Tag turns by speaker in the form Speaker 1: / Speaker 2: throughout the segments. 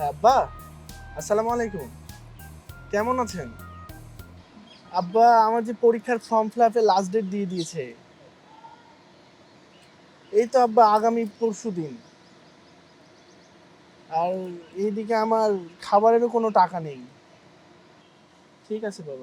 Speaker 1: আব্বা, আসসালামু আলাইকুম। কেমন আছেন? আব্বা, আমার যে পরীক্ষার ফর্ম ফিল আপের লাস্ট ডেট দিয়ে দিয়েছে। এই তো আব্বা, আগামী পরশুদিন। আর এইদিকে আমার খাবারেরও কোনো টাকা নেই। ঠিক আছে বাবা।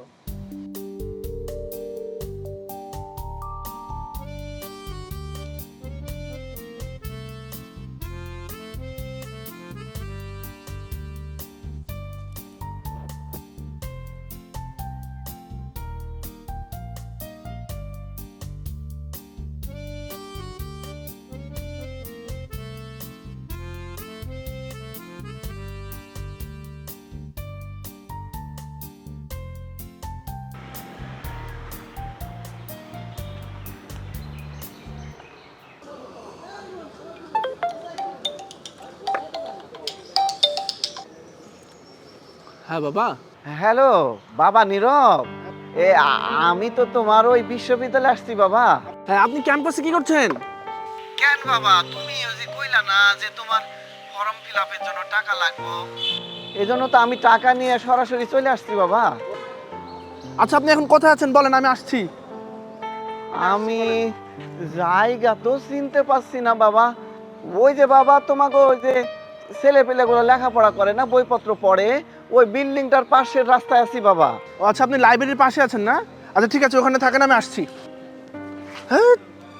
Speaker 1: হ্যাঁ বাবা।
Speaker 2: হ্যালো বাবা নীরব। আমি তো তোমার ওই বিশ্ববিদ্যালয়ে আসছি বাবা।
Speaker 1: হ্যাঁ, আপনি ক্যাম্পাসে কি করছেন?
Speaker 2: কেন বাবা, তুমি ওই যে কইলা না যে তোমার ফর্ম ফিল আপের জন্য টাকা লাগবে, এজন্য তো আমি টাকা নিয়ে সরাসরি চলে আসছি বাবা।
Speaker 1: আচ্ছা, আপনি এখন কোথায় আছেন বলেন, আমি আসছি।
Speaker 2: আমি জায়গা তো চিনতে পারছি না বাবা। ওই যে বাবা, তোমাকে ওই যে ছেলে পেলেগুলো লেখাপড়া করে না, বইপত্র পড়ে, ওই বিল্ডিংটার পাশের রাস্তায় আছি বাবা।
Speaker 1: ও আচ্ছা, আপনি লাইব্রেরির পাশে আছেন না? আচ্ছা ঠিক আছে, ওখানে থাকেন, আমি আসছি। হ্যাঁ।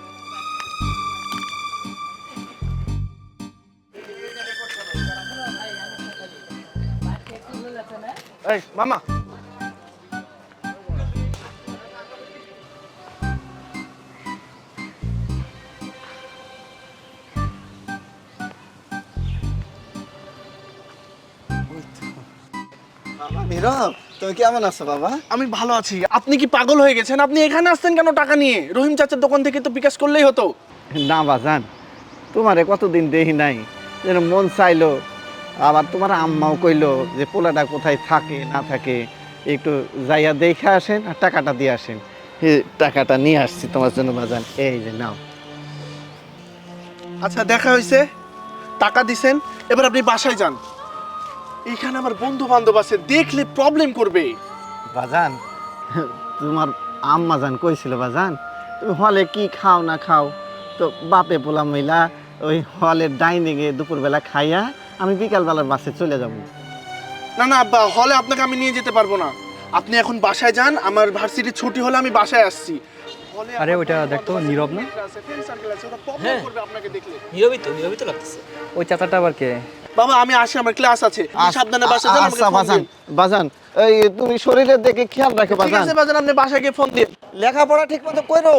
Speaker 1: এই মামা,
Speaker 2: বাবা নীরব, তুমি কেমন আছো বাবা?
Speaker 1: আমি ভালো আছি। আপনি কি পাগল হয়ে গেছেন? আপনি এখানে আসছেন কেন টাকা নিয়ে? রহিম চাচার দোকান থেকে তো বিকাশ করলেই হতো।
Speaker 2: না বাজান, তোমারে কতদিন দেখি নাই, যেন মন চাইলো। আবার তোমার আম্মাও কইলো যে পোলাটা কোথায় থাকে না থাকে একটু যাইয়া দেখে আসেন আর টাকাটা দিয়ে আসেন। এই টাকাটা নিয়ে আসছি তোমার জন্য বাজান, এই যে নাও।
Speaker 1: আচ্ছা, দেখা হয়েছে, টাকা দিছেন, এবার আপনি বাসায় যান। এখানে আমার বন্ধু বান্ধব আছে, দেখলে প্রবলেম করবে।
Speaker 2: বাজান, তোমার আম্মা জান কইছিল বাজান, তুমি হলে কি খাও না খাও, তো বাপে পোলা মহিলা ওই হলের ডাইনিংয়ে দুপুরবেলা খাইয়া আমি বিকালবেলার বাসে চলে যাবো।
Speaker 1: না না আব্বা, হলে আপনাকে আমি নিয়ে যেতে পারবো না। আপনি এখন বাসায় যান, আমার ভার্সিটি ছুটি হলে আমি বাসায় আসছি। হলে
Speaker 3: আরে
Speaker 1: আমার
Speaker 3: ওইটা
Speaker 1: বন্ধু
Speaker 3: দেখতো,
Speaker 1: বান্ধব আছে,
Speaker 3: নীরব না?
Speaker 1: ফ্রেন্ড আছে, ফ্রেন্ড সার্কেল আছে, ওরা প্রবলেম
Speaker 4: হ্যাঁ।
Speaker 1: করবে আপনাকে দেখলে।
Speaker 4: নীরবই তো লাগতেছে।
Speaker 3: ওই চাচাটা আবার কে?
Speaker 1: বাবা, আমি আসি, আমার ক্লাস আছে। আপনি সাবধানে বাসায় যান, আমাকে
Speaker 2: আচ্ছা
Speaker 1: ফোন
Speaker 2: বাজান,
Speaker 1: দিন।
Speaker 2: বাজান এই তুমি শরীরের দিকে খেয়াল রাখো
Speaker 1: ঠিক
Speaker 2: বাজান।
Speaker 1: আছে বাজান, আপনি বাসায় গিয়ে ফোন দিন।
Speaker 2: লেখাপড়া ঠিক মতো করো।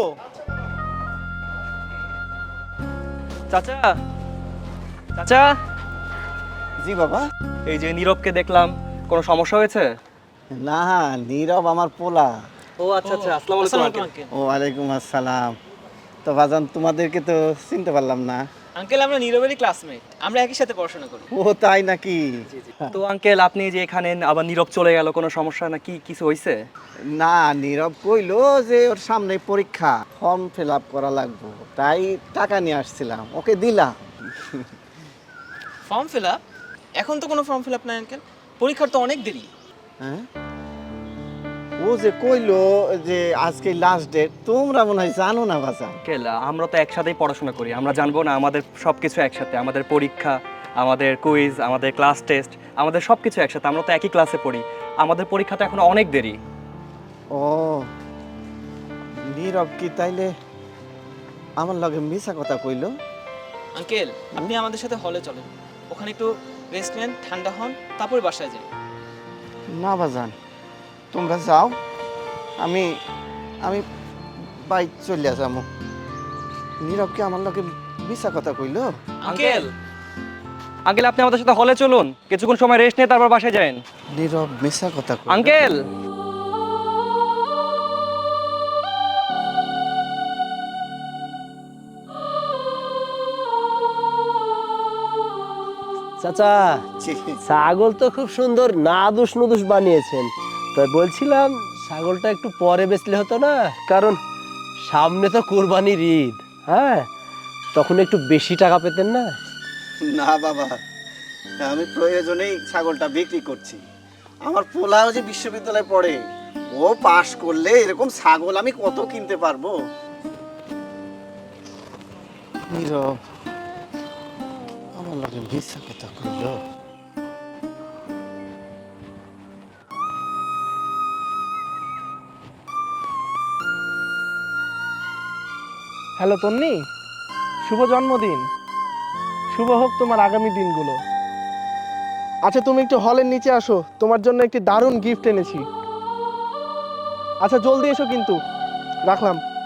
Speaker 3: চাচা, চাচা,
Speaker 2: জি বাবা।
Speaker 3: এই যে নীরবকে দেখলাম, কোনো সমস্যা হয়েছে?
Speaker 2: না, নীরব আমার পোলা।
Speaker 3: ও আচ্ছা আচ্ছা, আসসালামু আলাইকুম আঙ্কেল।
Speaker 2: ওয়ালাইকুম আসসালাম। তো বাজান, তোমাদেরকে তো চিনতে পারলাম না।
Speaker 4: আঙ্কেল, আমরা নীরবেরই ক্লাসমেট, আমরা একই সাথে পড়াশোনা করি।
Speaker 2: ও তাই নাকি?
Speaker 3: তো আঙ্কেল, আপনি যে এখানে আবার নীরব চলে গেল, কোনো সমস্যা না কি, কিছু হয়েছে?
Speaker 2: না, নীরব কইলো যে ওর সামনে পরীক্ষা, ফর্ম ফিল আপ করা লাগবে, তাই টাকা নিয়ে আসছিলাম, ওকে দিলাম।
Speaker 4: Form fill up? এখন তো কোনো ফর্ম ফিল আপ নাই আঙ্কেল, পরীক্ষার তো অনেক দেরি।
Speaker 2: হ্যাঁ, ও যে কইলো যে আজকে লাস্ট ডেট, তোমরা মনে হয় জানো না বাজান।
Speaker 3: আঙ্কেল, আমরা তো একসাথেই পড়াশোনা করি, আমরা জানবো না? আমাদের সব কিছু একসাথে, আমাদের পরীক্ষা, আমাদের কুইজ, আমাদের ক্লাস টেস্ট, আমাদের সব কিছু একসাথে, আমরা তো একই ক্লাসে পড়ি। আমাদের পরীক্ষা তো এখন অনেক দেরি।
Speaker 2: ও, নীরব কি তাইলে আমার লগে মিছা কথা কইলো?
Speaker 4: আঙ্কেল, আপনি আমাদের সাথে হলে চলেন, ওখানে একটু রেস্ট নেন, ঠান্ডা হন, তারপরে বাসায় যান।
Speaker 2: না বাজান, তোমরা যাও, আমি আমি বাইক চলে যাবো। নীরব কি আমার লগে মিছা কথা কইলো?
Speaker 4: আঙ্কেল,
Speaker 3: আঙ্কেল, আপনি আমাদের সাথে হলে চলুন, কিছুক্ষণ সময় রেস্ট নিয়ে তারপর বাসায় যান।
Speaker 2: নীরব মিছা কথা কইলো?
Speaker 3: আঙ্কেল,
Speaker 5: চাচা, ছাগল তো খুব সুন্দর নাদুস নুদুস বানিয়েছেন। তাই বলছিলাম ছাগলটা একটু পরে বেচলে হতো না? কারণ সামনে তো কোরবানির ঈদ, হ্যাঁ, তখন একটু বেশি টাকা পেতেন না?
Speaker 2: না বাবা, আমি প্রয়োজনেই ছাগলটা বিক্রি করছি। আমার পোলাও যে বিশ্ববিদ্যালয়ে পড়ে, ও পাশ করলে এরকম ছাগল আমি কত কিনতে পারবো। নীরব আমার লাগে মিথ্যা কথা কইলো।
Speaker 1: হ্যালো তন্নি, শুভ জন্মদিন। শুভ হোক তোমার আগামী দিনগুলো। আচ্ছা তুমি একটু হলের নিচে আসো, তোমার জন্য একটি দারুণ গিফট এনেছি। আচ্ছা জলদি এসো কিন্তু, রাখলাম।